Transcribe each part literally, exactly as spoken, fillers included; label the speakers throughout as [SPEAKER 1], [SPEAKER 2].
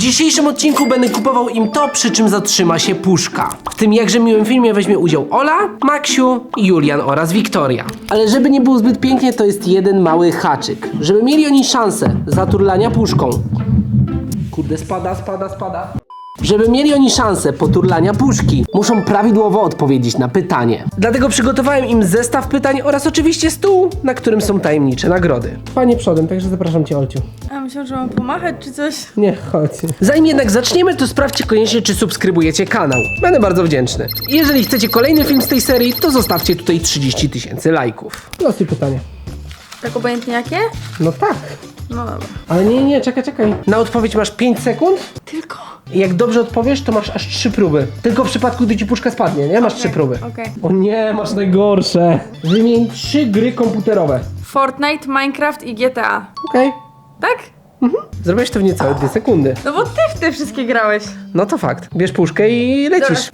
[SPEAKER 1] dzisiejszym odcinku będę kupował im to, przy czym zatrzyma się puszka. W tym jakże miłym filmie weźmie udział Ola, Maksiu, Julian oraz Wiktoria. Ale żeby nie było zbyt pięknie, to jest jeden mały haczyk. Żeby mieli oni szansę zaturlania puszką. Kurde, spada, spada, spada. Żeby mieli oni szansę poturlania puszki, muszą prawidłowo odpowiedzieć na pytanie. Dlatego przygotowałem im zestaw pytań oraz oczywiście stół, na którym są tajemnicze nagrody. Panie przodem, także zapraszam cię, Olciu.
[SPEAKER 2] A myślałam, że mam pomachać czy coś.
[SPEAKER 1] Nie, chodź. Zanim jednak zaczniemy, to sprawdźcie koniecznie, czy subskrybujecie kanał. Będę bardzo wdzięczny. Jeżeli chcecie kolejny film z tej serii, to zostawcie tutaj trzydzieści tysięcy lajków. Losuj pytanie.
[SPEAKER 2] Tak obojętnie jakie?
[SPEAKER 1] No tak.
[SPEAKER 2] No dobra.
[SPEAKER 1] Ale nie, nie, czekaj, czekaj. Na odpowiedź masz pięć sekund.
[SPEAKER 2] Tylko.
[SPEAKER 1] Jak dobrze odpowiesz, to masz aż trzy próby. Tylko w przypadku, gdy ci puszka spadnie, nie? Masz
[SPEAKER 2] Okej,
[SPEAKER 1] trzy próby.
[SPEAKER 2] okej.
[SPEAKER 1] O nie, masz najgorsze. Wymień trzy gry komputerowe.
[SPEAKER 2] Fortnite, Minecraft i G T A.
[SPEAKER 1] Okej.
[SPEAKER 2] Tak?
[SPEAKER 1] Zrobiłeś to w niecałe dwie sekundy.
[SPEAKER 2] No bo ty w te wszystkie grałeś.
[SPEAKER 1] No to fakt. Bierz puszkę i lecisz.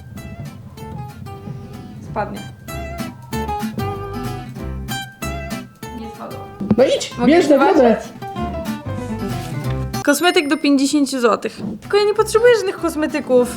[SPEAKER 2] Spadnie. Nie spadło.
[SPEAKER 1] No idź,
[SPEAKER 2] Mogę
[SPEAKER 1] bierz nagrodę.
[SPEAKER 2] zobaczyć? Kosmetyk do pięćdziesiąt złotych. Tylko ja nie potrzebuję żadnych kosmetyków.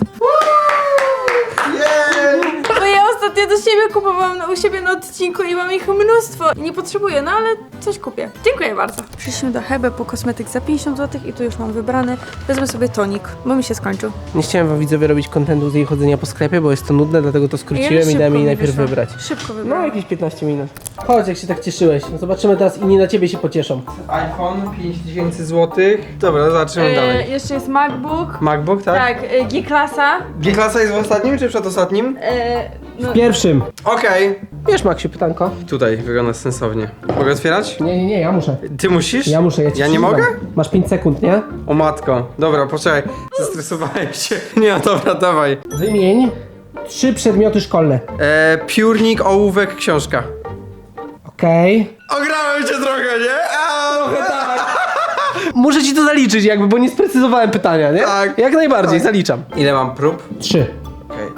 [SPEAKER 2] Bo ja ostatnio do siebie kupowałam u siebie na odcinku i mam ich mnóstwo. I nie potrzebuję, no ale coś kupię. Dziękuję bardzo. Przyszliśmy do Hebe po kosmetyk za pięćdziesiąt złotych i tu już mam wybrany. Wezmę sobie tonik, bo mi się skończył.
[SPEAKER 1] Nie chciałem wam widzowie robić kontentu z jej chodzenia po sklepie, bo jest to nudne, dlatego to skróciłem i dałem jej najpierw
[SPEAKER 2] wyszło.
[SPEAKER 1] wybrać.
[SPEAKER 2] Szybko
[SPEAKER 1] No
[SPEAKER 2] wybrałam.
[SPEAKER 1] jakieś piętnaście minut. Chodź, jak się tak cieszyłeś. No zobaczymy teraz, inni na ciebie się pocieszą.
[SPEAKER 3] iPhone pięć tysięcy złotych. Dobra, zobaczymy
[SPEAKER 2] E,
[SPEAKER 3] dalej.
[SPEAKER 2] jeszcze jest MacBook.
[SPEAKER 3] MacBook, tak?
[SPEAKER 2] Tak, e, G-klasa.
[SPEAKER 3] G-klasa jest w ostatnim czy przedostatnim?
[SPEAKER 2] E, no,
[SPEAKER 1] Pierwszym.
[SPEAKER 3] Okej.
[SPEAKER 1] Wiesz, Maksiu, pytanko?
[SPEAKER 3] Tutaj wygląda sensownie. Mogę otwierać?
[SPEAKER 1] Nie, nie, nie, ja muszę.
[SPEAKER 3] Ty musisz?
[SPEAKER 1] Ja muszę, ja ci
[SPEAKER 3] Ja nie
[SPEAKER 1] przyznam.
[SPEAKER 3] mogę?
[SPEAKER 1] Masz pięć sekund, nie?
[SPEAKER 3] O matko. Dobra, poczekaj. Zestresowałem się. Nie, no dobra, dawaj.
[SPEAKER 1] Wymień trzy przedmioty szkolne.
[SPEAKER 3] E, piórnik, ołówek, książka.
[SPEAKER 1] Okej.
[SPEAKER 3] Ograłem cię trochę, nie? A, tak.
[SPEAKER 1] Muszę ci to zaliczyć jakby, bo nie sprecyzowałem pytania, nie?
[SPEAKER 3] Tak.
[SPEAKER 1] Jak najbardziej,
[SPEAKER 3] Tak.
[SPEAKER 1] zaliczam.
[SPEAKER 3] Ile mam prób?
[SPEAKER 1] Trzy.
[SPEAKER 3] Okej.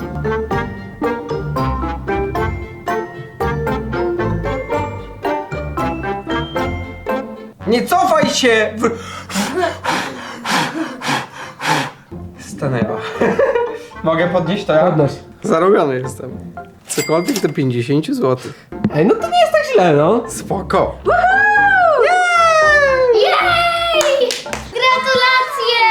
[SPEAKER 3] Nie cofaj się! W... Stanęła. Mogę podnieść to ja?
[SPEAKER 1] Podnoś.
[SPEAKER 3] Zarobiony jestem. Cokolwiek do pięćdziesiąt złotych.
[SPEAKER 1] Ej, no to nie jest tak źle, no.
[SPEAKER 3] Spoko.
[SPEAKER 4] Jej! Gratulacje!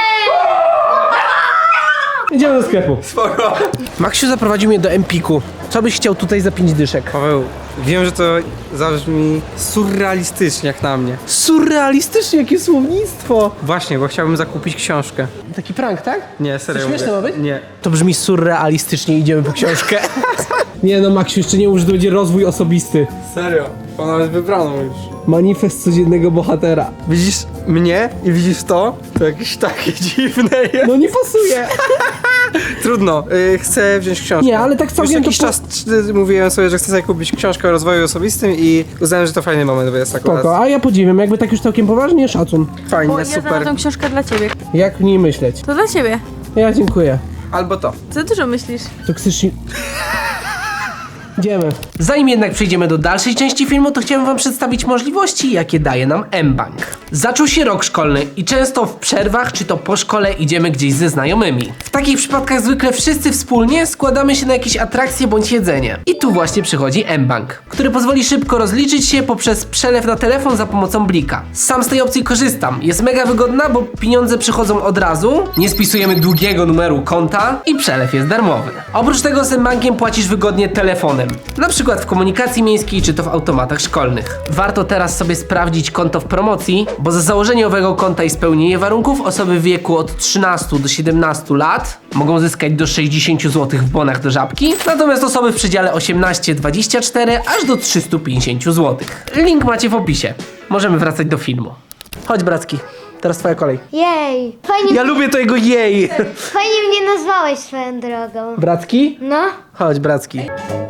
[SPEAKER 1] Idziemy do sklepu.
[SPEAKER 3] Spoko.
[SPEAKER 1] Maksiu zaprowadził mnie do Empiku. Co byś chciał tutaj za pięć dyszek?
[SPEAKER 3] Paweł, wiem, że to zabrzmi surrealistycznie jak na mnie.
[SPEAKER 1] Surrealistycznie, jakie słownictwo.
[SPEAKER 3] Właśnie, bo chciałbym zakupić książkę.
[SPEAKER 1] Taki prank, tak?
[SPEAKER 3] Nie, serio.
[SPEAKER 1] To śmieszne
[SPEAKER 3] mówię.
[SPEAKER 1] ma być?
[SPEAKER 3] Nie.
[SPEAKER 1] To brzmi surrealistycznie, idziemy po książkę. Nie no, Maksiu, jeszcze nie mów, że to będzie rozwój osobisty.
[SPEAKER 3] Serio. Ona jest wybrana już.
[SPEAKER 1] Manifest codziennego bohatera.
[SPEAKER 3] Widzisz mnie i widzisz to? To jakieś takie dziwne jest.
[SPEAKER 1] No nie pasuje.
[SPEAKER 3] Trudno, y, chcę wziąć książkę.
[SPEAKER 1] Nie, ale tak całkiem
[SPEAKER 3] Już jakiś
[SPEAKER 1] to po-
[SPEAKER 3] czas y, mówiłem sobie, że chcę sobie kupić książkę o rozwoju osobistym i uznałem, że to fajny moment, bo jest akurat
[SPEAKER 1] Spoko, a ja podziwiam, jakby tak już całkiem poważnie, szacun.
[SPEAKER 3] fajnie,
[SPEAKER 2] bo ja
[SPEAKER 3] super.
[SPEAKER 2] znalazłam książkę dla ciebie.
[SPEAKER 1] Jak nie myśleć?
[SPEAKER 2] To dla ciebie.
[SPEAKER 1] Ja dziękuję.
[SPEAKER 3] Albo to.
[SPEAKER 2] Co dużo myślisz?
[SPEAKER 1] Toksycznie. Idziemy. Zanim jednak przejdziemy do dalszej części filmu, to chciałem wam przedstawić możliwości, jakie daje nam mBank. Zaczął się rok szkolny i często w przerwach, czy to po szkole, idziemy gdzieś ze znajomymi. W takich przypadkach zwykle wszyscy wspólnie składamy się na jakieś atrakcje bądź jedzenie. I tu właśnie przychodzi mBank, który pozwoli szybko rozliczyć się poprzez przelew na telefon za pomocą blika. Sam z tej opcji korzystam. Jest mega wygodna, bo pieniądze przychodzą od razu, nie spisujemy długiego numeru konta i przelew jest darmowy. Oprócz tego z mBankiem płacisz wygodnie telefonem. Na przykład w komunikacji miejskiej czy to w automatach szkolnych. Warto teraz sobie sprawdzić konto w promocji, bo za założenie owego konta i spełnienie warunków osoby w wieku od trzynastu do siedemnastu lat mogą zyskać do sześćdziesiąt złotych w bonach do Żabki, natomiast osoby w przedziale osiemnaście dwadzieścia cztery aż do trzystu pięćdziesiąt złotych. Link macie w opisie. Możemy wracać do filmu. Chodź, Bracki, teraz twoja kolej.
[SPEAKER 4] Jej! Fajnie,
[SPEAKER 1] Ja lubię tego jej!
[SPEAKER 4] fajnie mnie nazwałeś swoją drogą.
[SPEAKER 1] Bracki?
[SPEAKER 4] No?
[SPEAKER 1] Chodź, Bracki.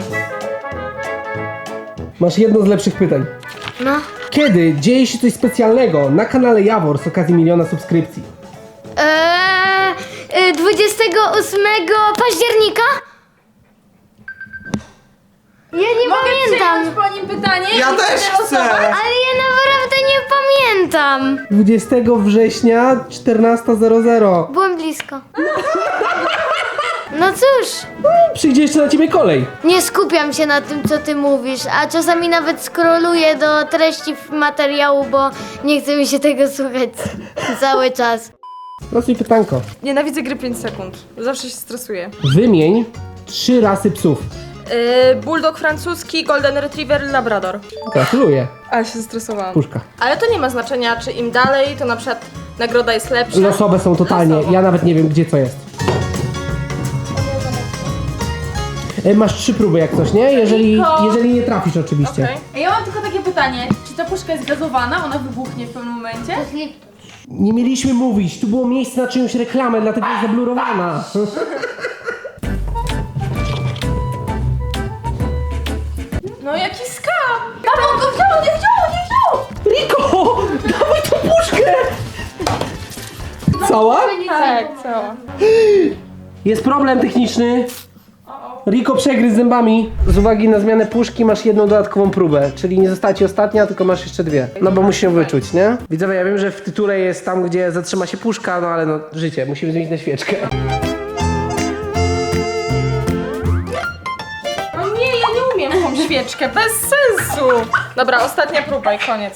[SPEAKER 1] Masz jedno z lepszych pytań.
[SPEAKER 4] No.
[SPEAKER 1] Kiedy dzieje się coś specjalnego na kanale Jawor z okazji miliona subskrypcji?
[SPEAKER 4] Eee, dwudziestego ósmego października? Ja nie
[SPEAKER 2] Mogę
[SPEAKER 4] pamiętam.
[SPEAKER 2] przyjąć po nim pytanie?
[SPEAKER 3] Ja
[SPEAKER 2] i
[SPEAKER 3] też
[SPEAKER 2] wtedy
[SPEAKER 3] chcę.
[SPEAKER 2] losować?
[SPEAKER 4] Ale ja naprawdę nie pamiętam.
[SPEAKER 1] dwudziestego września czternasta zero zero.
[SPEAKER 4] Byłem blisko. No cóż,
[SPEAKER 1] Przyjdzie jeszcze na ciebie kolej.
[SPEAKER 4] nie skupiam się na tym, co ty mówisz, a czasami nawet scrolluję do treści materiału, bo nie chce mi się tego słuchać cały czas.
[SPEAKER 1] Proste pytanko.
[SPEAKER 2] Nienawidzę gry pięć sekund. Zawsze się stresuję.
[SPEAKER 1] Wymień trzy rasy psów.
[SPEAKER 2] Yy, bulldog francuski, golden retriever, labrador.
[SPEAKER 1] Gratuluję.
[SPEAKER 2] Ale się zestresowałam.
[SPEAKER 1] Puszka.
[SPEAKER 2] Ale to nie ma znaczenia, czy im dalej, to na przykład nagroda jest lepsza.
[SPEAKER 1] Losowe są totalnie.
[SPEAKER 2] Losowo.
[SPEAKER 1] Ja nawet nie wiem, gdzie co jest. E, Masz trzy próby jak coś, nie? Jeżeli,
[SPEAKER 2] Tylko-
[SPEAKER 1] jeżeli nie trafisz oczywiście.
[SPEAKER 2] Okay. Ja mam tylko takie pytanie, czy ta puszka jest gazowana, ona wybuchnie w pewnym momencie?
[SPEAKER 1] Nie mieliśmy mówić, tu było miejsce na czyjąś reklamę, dlatego jest zablurowana.
[SPEAKER 2] No jaki skam! Tam on go wziął, nie wziął, nie wziął!
[SPEAKER 1] Riko! Dawaj tą puszkę! Cała?
[SPEAKER 2] Tak, cała.
[SPEAKER 1] Jest problem techniczny. Riko przegryzł zębami. Z uwagi na zmianę puszki masz jedną dodatkową próbę, czyli nie została ci ostatnia, tylko masz jeszcze dwie. No bo musisz ją wyczuć, nie? Widzowie, ja wiem, że w tytule jest tam, gdzie zatrzyma się puszka, no ale no życie, musimy zmienić na świeczkę.
[SPEAKER 2] No nie, ja nie umiem tą świeczkę, bez sensu! Dobra, ostatnia próba i koniec.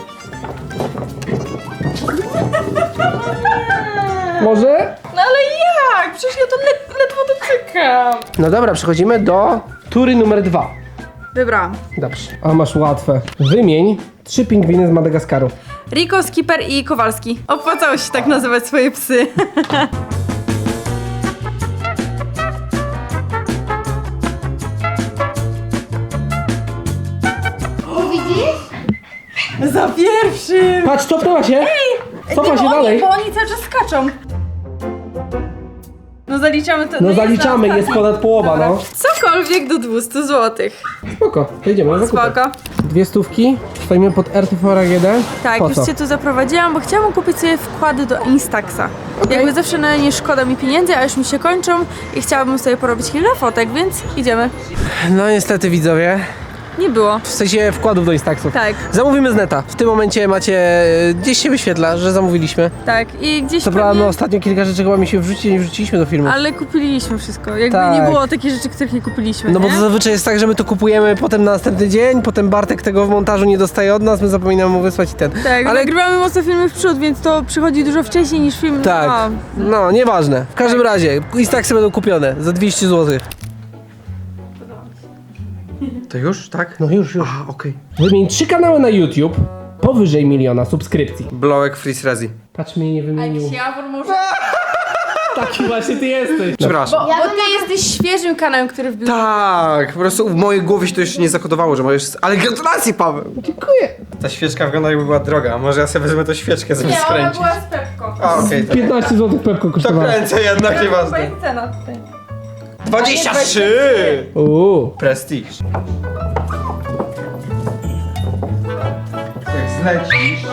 [SPEAKER 1] Może?
[SPEAKER 2] No ale jak? Przecież ja to led ledwo dotykam.
[SPEAKER 1] No dobra, przechodzimy do tury numer dwa.
[SPEAKER 2] Wybrałam.
[SPEAKER 1] Dobrze. A masz łatwe. Wymień trzy pingwiny z Madagaskaru.
[SPEAKER 2] Riko, Skipper i Kowalski. Opłacało się tak nazywać swoje psy.
[SPEAKER 4] Widzisz?
[SPEAKER 2] Za pierwszym!
[SPEAKER 1] Patrz, cofnęła się! Cofa się
[SPEAKER 2] bo
[SPEAKER 1] dalej.
[SPEAKER 2] Oni, bo oni cały czas skaczą. No zaliczamy to.
[SPEAKER 1] No
[SPEAKER 2] jest
[SPEAKER 1] zaliczamy,
[SPEAKER 2] za
[SPEAKER 1] jest
[SPEAKER 2] ostatni.
[SPEAKER 1] ponad połowa,
[SPEAKER 2] Dobra.
[SPEAKER 1] no.
[SPEAKER 2] Cokolwiek do dwieście złotych.
[SPEAKER 1] Spoko, to idziemy na zakupy.
[SPEAKER 2] Spoko.
[SPEAKER 1] Dwie stówki, stoimy pod R T V A G D.
[SPEAKER 2] Tak,
[SPEAKER 1] Po
[SPEAKER 2] już
[SPEAKER 1] co?
[SPEAKER 2] cię tu zaprowadziłam, bo chciałam kupić sobie wkłady do Instaxa.
[SPEAKER 1] Okej.
[SPEAKER 2] Jakby zawsze na nie szkoda mi pieniędzy, a już mi się kończą i chciałabym sobie porobić kilka fotek, więc idziemy.
[SPEAKER 1] No niestety widzowie,
[SPEAKER 2] Nie było.
[SPEAKER 1] w sensie wkładów do Instaxów.
[SPEAKER 2] Tak,
[SPEAKER 1] Zamówimy z neta. W tym momencie macie, e, gdzieś się wyświetla, że zamówiliśmy.
[SPEAKER 2] tak. I gdzieś
[SPEAKER 1] Co prawda,
[SPEAKER 2] pewnie-
[SPEAKER 1] no ostatnio kilka rzeczy chyba mi się wrzuci, nie wrzuciliśmy do filmu.
[SPEAKER 2] Ale kupiliśmy wszystko. Jakby
[SPEAKER 1] Tak.
[SPEAKER 2] nie było takich rzeczy, których nie kupiliśmy.
[SPEAKER 1] No bo
[SPEAKER 2] nie?
[SPEAKER 1] to zazwyczaj jest tak, że my to kupujemy potem na następny dzień, potem Bartek tego w montażu nie dostaje od nas, my zapominamy mu wysłać i ten.
[SPEAKER 2] Tak,
[SPEAKER 1] Ale
[SPEAKER 2] nagrywamy mocno filmy w przód, więc to przychodzi dużo wcześniej niż film.
[SPEAKER 1] tak,
[SPEAKER 2] A,
[SPEAKER 1] no nieważne. W każdym razie, Instaxy będą kupione za dwieście złotych.
[SPEAKER 3] To już, tak?
[SPEAKER 1] No już, już.
[SPEAKER 3] A, okej.
[SPEAKER 1] Wymień trzy kanały na YouTube powyżej miliona subskrypcji.
[SPEAKER 3] Blołek Freeze Rezi.
[SPEAKER 1] Patrz, mnie nie wymienił.
[SPEAKER 2] Jawor może...
[SPEAKER 1] Taki właśnie ty jesteś.
[SPEAKER 3] Przepraszam.
[SPEAKER 2] Bo, bo ty jesteś świeżym kanałem, który wbił.
[SPEAKER 3] Tak, po prostu w mojej głowie się to jeszcze nie zakodowało, że możesz... Ale gratulacje, Paweł!
[SPEAKER 1] Dziękuję.
[SPEAKER 3] Ta świeczka wygląda jakby była droga, może ja sobie wezmę tą świeczkę, żeby
[SPEAKER 2] Nie, ona
[SPEAKER 3] skręcić.
[SPEAKER 2] była z Pepko.
[SPEAKER 3] A, okej, to...
[SPEAKER 1] piętnaście złotych Pepko
[SPEAKER 3] To
[SPEAKER 1] kosztowało.
[SPEAKER 3] kręcę jednak,
[SPEAKER 2] Chyba
[SPEAKER 3] nieważne.
[SPEAKER 2] jest cena tutaj.
[SPEAKER 3] dwadzieścia trzy!
[SPEAKER 1] Uuu.
[SPEAKER 3] Prestige. Jak zlecisz...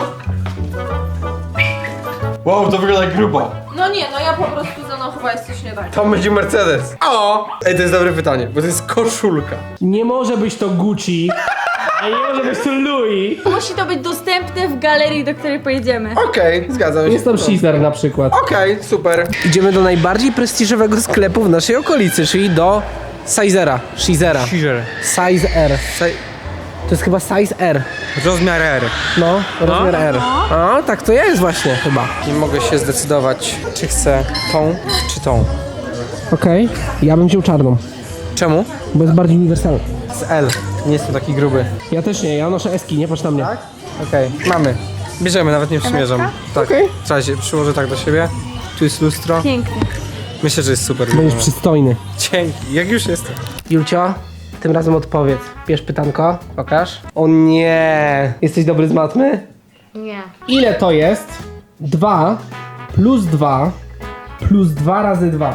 [SPEAKER 3] Wow, to wygląda jak grubo.
[SPEAKER 2] No nie, no ja po prostu za mną chyba jest coś nie tak.
[SPEAKER 3] Tam będzie Mercedes. O! Ej, to jest dobre pytanie, bo to jest koszulka.
[SPEAKER 1] Nie może być to Gucci, a nie może być to Louis.
[SPEAKER 2] Musi to być dostępne w galerii, do której pojedziemy.
[SPEAKER 3] Okej, zgadzam się.
[SPEAKER 1] Jest tam Caesar na przykład.
[SPEAKER 3] Okej, super.
[SPEAKER 1] Idziemy do najbardziej prestiżowego sklepu w naszej okolicy, czyli do Sizera. Sizera.
[SPEAKER 3] Sizer.
[SPEAKER 1] Size R. To jest chyba Size R.
[SPEAKER 3] Rozmiar R.
[SPEAKER 1] No, rozmiar R. A, tak to jest właśnie chyba.
[SPEAKER 3] Nie mogę się zdecydować, czy chcę tą, czy tą.
[SPEAKER 1] Okej, ja bym wziął czarną,
[SPEAKER 3] Czemu?
[SPEAKER 1] bo jest bardziej uniwersalna.
[SPEAKER 3] Z L. Nie jestem taki gruby.
[SPEAKER 1] Ja też nie, ja noszę eski, nie patrz na mnie.
[SPEAKER 3] Tak? Okej, mamy. Bierzemy, nawet nie przymierzam. Tak.
[SPEAKER 1] Okej.
[SPEAKER 3] W razie przyłożę tak do siebie. Tu jest lustro.
[SPEAKER 2] Pięknie.
[SPEAKER 3] Myślę, że jest super.
[SPEAKER 1] Będziesz przystojny.
[SPEAKER 3] Dzięki, jak już jestem.
[SPEAKER 1] Julcio, tym razem odpowiedz. Bierz pytanko, pokaż. O nie, jesteś dobry z matmy?
[SPEAKER 4] Nie.
[SPEAKER 1] Ile to jest dwa plus dwa plus dwa razy dwa?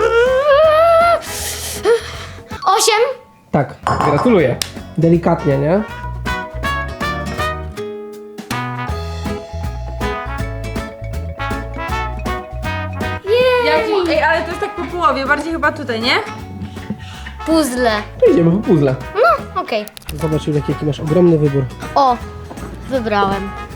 [SPEAKER 4] Osiem?
[SPEAKER 1] Tak, gratuluję. Delikatnie, nie?
[SPEAKER 2] Jak, ej, ale to jest tak po połowie, bardziej chyba tutaj, nie?
[SPEAKER 4] Puzzle.
[SPEAKER 1] To idziemy po puzzle.
[SPEAKER 4] No, okej.
[SPEAKER 1] Zobacz, Julek, jaki masz ogromny wybór.
[SPEAKER 4] O, wybrałem.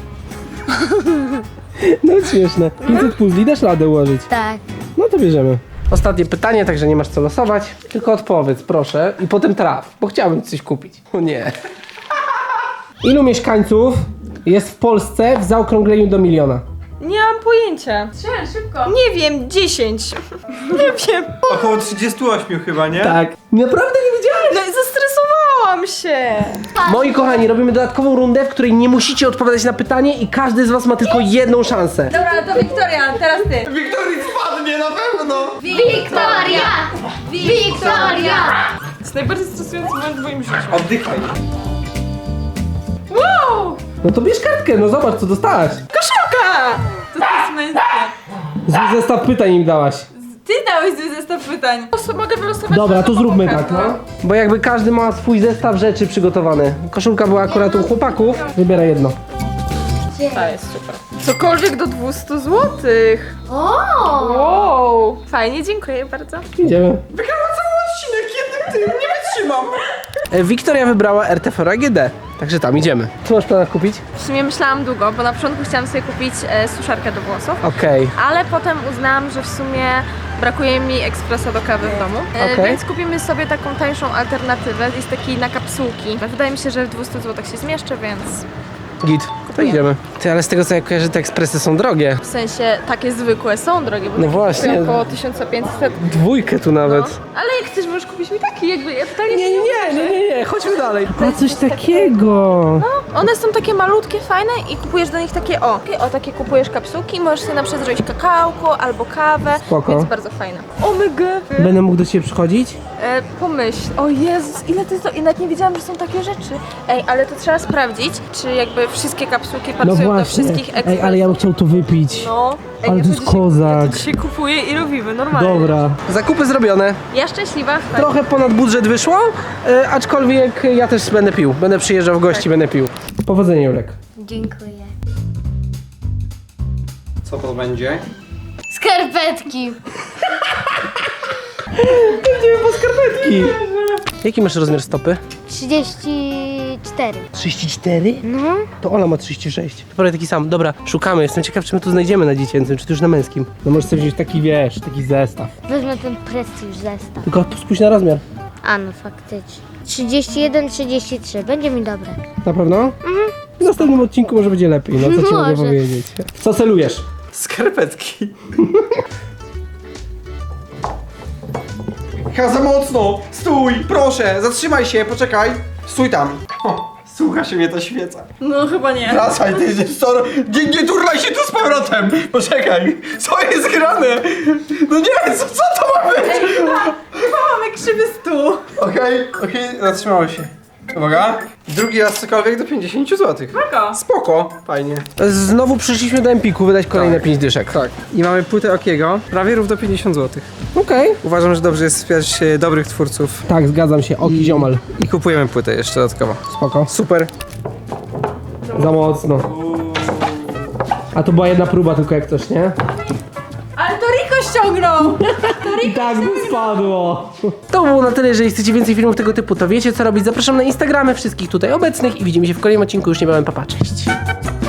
[SPEAKER 1] No śmieszne. pięćset puzli dasz radę ułożyć.
[SPEAKER 4] Tak.
[SPEAKER 1] No to bierzemy. Ostatnie pytanie, także nie masz co losować. Tylko odpowiedz, proszę. I potem traf, bo chciałbym coś kupić. O nie. Ilu mieszkańców jest w Polsce w zaokrągleniu do miliona?
[SPEAKER 2] Nie mam pojęcia. Strzel, szybko. Nie wiem, dziesięć. Nie wiem.
[SPEAKER 3] Około trzydzieści osiem chyba, nie?
[SPEAKER 1] Tak. Naprawdę nie wiedziałeś?
[SPEAKER 2] No i zestresowałam się.
[SPEAKER 1] Moi kochani, robimy dodatkową rundę, w której nie musicie odpowiadać na pytanie i każdy z was ma tylko jedną szansę.
[SPEAKER 2] Dobra, to Wiktoria, teraz ty.
[SPEAKER 3] Wiktorii spadnie na pewno!
[SPEAKER 4] Wiktoria! Wiktoria!
[SPEAKER 2] To jest najbardziej stresujący moment w moim życiu.
[SPEAKER 3] Oddychaj.
[SPEAKER 2] Wow!
[SPEAKER 1] No to bierz kartkę, no zobacz co dostałaś.
[SPEAKER 2] Koszulka! To jest męskie.
[SPEAKER 1] Zły zestaw pytań im dałaś.
[SPEAKER 2] Ty dałeś zły zestaw pytań. Los- Mogę wylosować?
[SPEAKER 1] Dobra, to zróbmy tak,
[SPEAKER 2] no.
[SPEAKER 1] no. Bo jakby każdy ma swój zestaw rzeczy przygotowany. Koszulka była akurat u chłopaków. Wybieraj jedno.
[SPEAKER 2] To jest super. Cokolwiek do dwieście złotych.
[SPEAKER 4] O!
[SPEAKER 2] Wow! Fajnie, dziękuję bardzo.
[SPEAKER 1] Idziemy.
[SPEAKER 3] Wygrałam cały odcinek jednym tym, nie wytrzymam.
[SPEAKER 1] E, Wiktoria wybrała R T V A G D, także tam idziemy. Co masz planach kupić?
[SPEAKER 2] W sumie myślałam długo, bo na początku chciałam sobie kupić e, suszarkę do włosów.
[SPEAKER 1] Okej.
[SPEAKER 2] Ale potem uznałam, że w sumie brakuje mi ekspresa do kawy w domu, e,
[SPEAKER 1] Okej.
[SPEAKER 2] więc kupimy sobie taką tańszą alternatywę, jest taki na kapsułki. Wydaje mi się, że w dwieście złotych się zmieszczę, więc
[SPEAKER 1] Git. To idziemy. Ty, ale z tego co ja kojarzę, te ekspresy są drogie.
[SPEAKER 2] w sensie takie zwykłe są drogie, bo
[SPEAKER 1] No
[SPEAKER 2] takie
[SPEAKER 1] właśnie.
[SPEAKER 2] kosztują około tysiąc pięćset.
[SPEAKER 1] Dwójkę tu
[SPEAKER 2] No.
[SPEAKER 1] nawet.
[SPEAKER 2] Ale jak chcesz, możesz kupić mi taki, jakby ja totalnie
[SPEAKER 1] Nie, nie, nie, nie, nie, nie, chodźmy dalej. A coś
[SPEAKER 2] coś
[SPEAKER 1] takiego.
[SPEAKER 2] No, one są takie malutkie, fajne i kupujesz do nich takie o. O, takie kupujesz kapsułki i możesz sobie na przykład zrobić kakałko albo kawę,
[SPEAKER 1] Spoko.
[SPEAKER 2] więc bardzo fajne. O my god.
[SPEAKER 1] Będę mógł do ciebie przychodzić?
[SPEAKER 2] E, pomyśl, o Jezus, ile to jest, i nawet nie wiedziałam, że są takie rzeczy. Ej, ale to trzeba sprawdzić, czy jakby wszystkie kapsułki pasują do wszystkich ekspresów.
[SPEAKER 1] No Ej, ale ja bym chciał to wypić.
[SPEAKER 2] No. Ej,
[SPEAKER 1] Ale
[SPEAKER 2] ja
[SPEAKER 1] to jest
[SPEAKER 2] dzisiaj,
[SPEAKER 1] kozak.
[SPEAKER 2] Ja to dzisiaj kupuję i robimy, normalnie.
[SPEAKER 1] Dobra. Zakupy zrobione.
[SPEAKER 2] Ja szczęśliwa. Tak.
[SPEAKER 1] Trochę ponad budżet wyszło, e, aczkolwiek ja też będę pił. Będę przyjeżdżał w gości, będę pił. Powodzenia, Julek.
[SPEAKER 4] Dziękuję.
[SPEAKER 3] Co to będzie?
[SPEAKER 4] Skarpetki.
[SPEAKER 1] Idziemy po skarpetki. Jaki masz rozmiar stopy?
[SPEAKER 4] trzydzieści cztery.
[SPEAKER 1] trzydzieści cztery?
[SPEAKER 4] No.
[SPEAKER 1] To Ola ma trzydzieści sześć. Prawie taki sam. Dobra, szukamy. Jestem ciekaw, czy my tu znajdziemy na dziecięcym, czy to już na męskim. No możesz sobie wziąć taki, wiesz, taki zestaw.
[SPEAKER 4] Wezmę ten prestiż zestaw.
[SPEAKER 1] Tylko spójrz na rozmiar.
[SPEAKER 4] A no faktycznie. trzydzieści jeden, trzydzieści trzy. Będzie mi dobre.
[SPEAKER 1] Na pewno? Mhm. W następnym odcinku może będzie lepiej, no co ci mogę
[SPEAKER 4] Może.
[SPEAKER 1] powiedzieć. W co celujesz?
[SPEAKER 3] Skarpetki. Chyba za mocno! Stój! Proszę! Zatrzymaj się, poczekaj! Stój tam! O, słucha się mnie ta świeca.
[SPEAKER 2] No chyba nie.
[SPEAKER 3] Wracaj, ty jesteś co? Nie, nie turlaj się tu z powrotem! Poczekaj! Co jest grane? No nie, co, co to ma być?
[SPEAKER 2] Chyba mamy krzywy stół.
[SPEAKER 3] Okej, okej, zatrzymało się. Uwaga. Drugi raz cokolwiek do pięćdziesiąt złotych.
[SPEAKER 2] Spoko.
[SPEAKER 3] Spoko, fajnie.
[SPEAKER 1] Znowu przyszliśmy do Empiku wydać kolejne
[SPEAKER 3] Tak.
[SPEAKER 1] pięć dyszek.
[SPEAKER 3] Tak. I mamy płytę Okiego, prawie równo pięćdziesiąt złotych.
[SPEAKER 1] Okej.
[SPEAKER 3] Uważam, że dobrze jest wspierać e, dobrych twórców.
[SPEAKER 1] Tak, zgadzam się. Oki ziomal.
[SPEAKER 3] I kupujemy płytę jeszcze dodatkowo.
[SPEAKER 1] Spoko.
[SPEAKER 3] Super.
[SPEAKER 1] Za mocno. A to była jedna próba tylko jak coś, nie?
[SPEAKER 2] Ale to Riko ściągnął.
[SPEAKER 1] I tak by spadło. To było na tyle. Jeżeli chcecie więcej filmów tego typu, to wiecie co robić. Zapraszam na Instagramy wszystkich tutaj obecnych i widzimy się w kolejnym odcinku już niebawem. Pa, pa, cześć.